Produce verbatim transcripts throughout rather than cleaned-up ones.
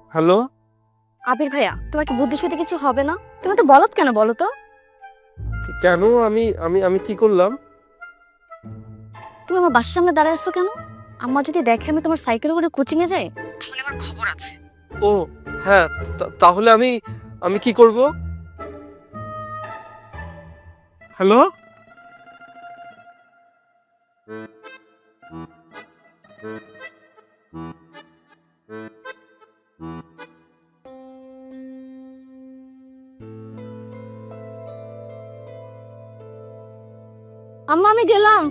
Hello. আবির ভাইয়া, তোমার কি বুদ্ধি শুদ্ধি কিছু হবে না? তুমি তো বলদ কেন বলো তো? কেন? আমি আমি আমি কি করলাম? তুমি আমার বাসার সামনে দাঁড়ায় আসছো কেন? আম্মা যদি দেখে আমি তোমার সাইকেলে করে কোচিং এ যাই, তাহলে আমার খবর আছে। ও হ্যাঁ, তা- তাহলে আমি আমি কি করব? হ্যালো। আম্মা আমি গেলাম।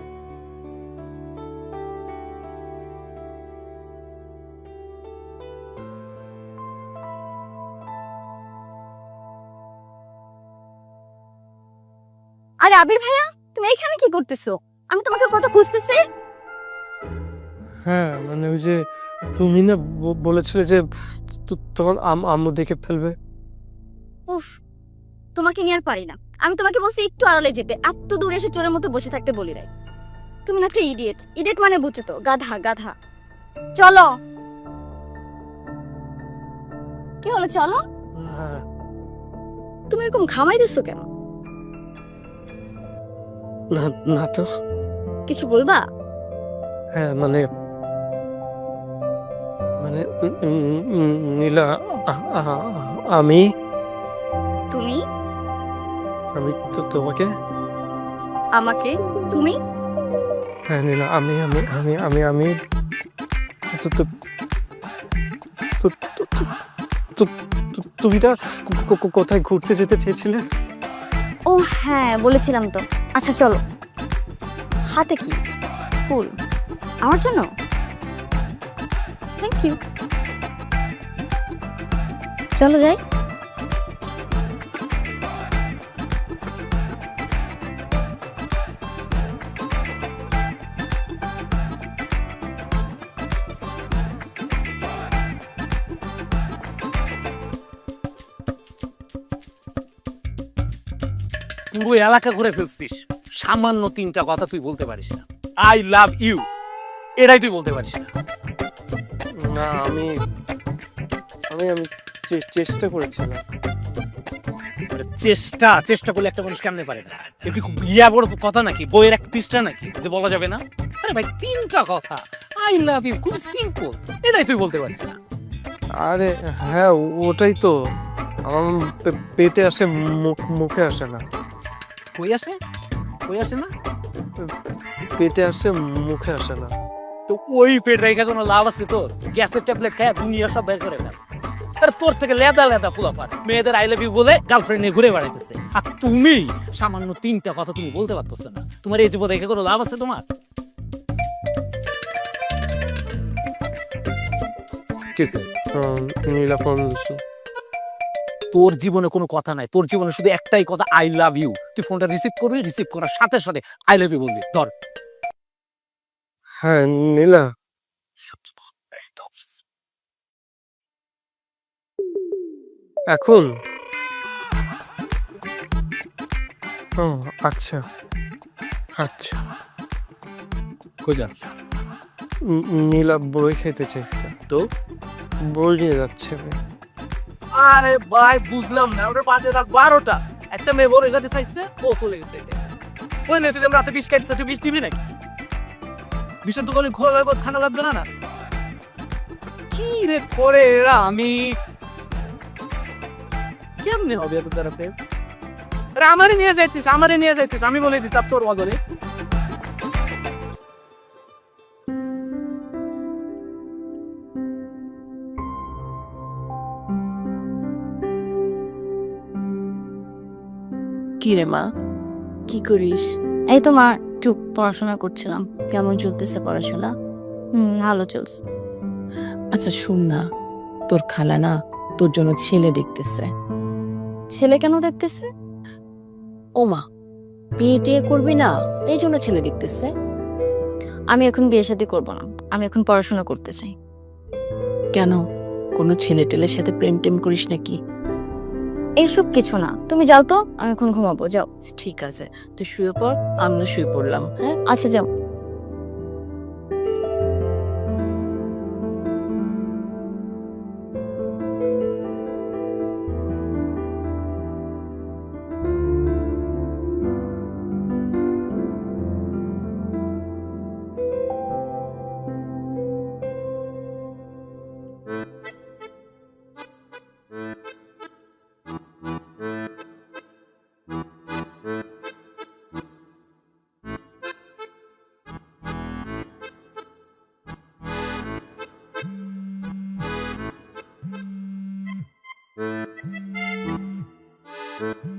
আরে আবির ভাইয়া, তুমি এখানে কি করতেছো? আমি তোমাকে কত খুঁজতেছি। হ্যাঁ মানে ওই যে তুমি না ব- বলেছিলে যে তো- তখন আম- আম্মু দেখে ফেলবে। উফ, তোমাকে নিয়ে আর পারি না। আমি তোমাকে বলছি একটু আড়ালে যেতে, এত দূরে এসে চোরের মতো বসে থাকতে বলি নাই। তুমি না একটা ইডিয়েট। ইডিয়েট মানে বুঝছো তো, গাধা গাধা। চলো। কি হলো, চলো। হ্যাঁ। তুমি এরকম ঘামাই দিছো কেন? না না তো। কিছু বলবা? হ্যাঁ মানে মানে উম, উম, উম, নীলা, আ- আ- আমি তুমি আমি তো তোমাকে। আমাকে তুমি হ্যাঁ নীলা, আমি আমি আমি আমি আমি তো- তো- তো- তো- তো- তো- তো- তো- তুমি না কো- কো- কো- কোথায় ঘুরতে যেতে চেয়েছিলে? ও হ্যাঁ, বলেছিলাম তো। আচ্ছা চলো। হাতে কি? ফুল? আমার জন্য? Thank you. চলো যাই। পুরো এলাকা ঘুরে ফেলছিস, সামান্য তিনটা কথা তুই বলতে পারিস না। আই লাভ ইউ, এটাই তুই বলতে পারিস না। না আমি আমি আমি চে- চেষ্টা করেছিলাম। আরে চেষ্টা চেষ্টা করলে একটা মানুষ কেমনে পারে না? এর কি খুব ইয়া বড় কথা নাকি, বইয়ের এক পৃষ্ঠা নাকি যে বলা যাবে না? আরে ভাই, তিনটা কথা, আই লাভ ইউ, খুব সিম্পল, এটাই তুই বলতে পারিস না। আরে হ্যাঁ, ওটাই তো। আমার পে- পেটে আসে, মুখ- মুখে আসে না। কই আসে? কই আসে না? পেটে আসে, মুখে আসে না। তো ওই পেট রেখে কোনো লাভ আছে তোর? গ্যাসের ট্যাবলেট খায় দুনিয়া সব বের করে ফেল। আরে তোর থেকে লেদা লেদা ফুলাফার মেয়েদের আই লাভ ইউ বলে গার্লফ্রেন্ড নিয়ে ঘুরে বেড়াইতেছে, আর তুমি সামান্য তিনটা কথা তুমি বলতে পারতেছ না। তোমার এই জীবন দেখে কোনো লাভ আছে তোমার? কিছু উম, নীলা ফোন দিচ্ছে। তোর জীবনে কোনো কথা নাই, তোর জীবনে শুধু একটাই কথা, আই লাভ ইউ। তুই ফোনটা রিসিভ করবি, রিসিভ করার সাথে সাথে আই লাভ ইউ বলবি। ধর। হ্যাঁ নীলা। এখন? ও আচ্ছা আচ্ছা। খোঁজাস উম, নীলা বই খেতে চাইছে, তো? বই নিয়ে যাচ্ছে। আরে ভাই, বুঝলাম না, ওটার পাঁচে রাখ বারোটা। একটা মেয়ে বড় এখানে চাইছে, ও চলে গেছে। ওই নেই, যদি আমরা রাতে বিষ খাইতেছে, তুই বিষ দিবি নাকি? বিষের দোকানে ঘোরা লাগবে, ঠান্ডা লাগবে না? না কি রে করে এরা, আমি কেমনে হবে এত তারা প্রেম? আরে আমারই নিয়ে যাইতিস, আমারই নিয়ে যাইতিস, আমি বলে দিতাম তোর বদলে। কি রে মা, কি করিস? এই তো মা, একটু পড়াশোনা করছিলাম। কেমন চলতেছে পড়াশোনা? হুম, ভালো চলছে। আচ্ছা শুন না, তোর খালা না তোর জন্য ছেলে দেখতেছে। ছেলে কেন দেখতেছে? ও মা, বিয়ে টিয়ে করবি না, এই জন্য ছেলে দেখতেছে। আমি এখন বিয়ে শাদী করবো না, আমি এখন পড়াশোনা করতে চাই। কেন, কোনো ছেলে টেলের সাথে প্রেম টেম করিস নাকি? এইসব কিছু না, তুমি যাও তো, আমি এখন ঘুমাবো, যাও। ঠিক আছে, তুই শুয়ে পড়, আমিও শুয়ে পড়লাম। হ্যাঁ, আচ্ছা যাও। হুম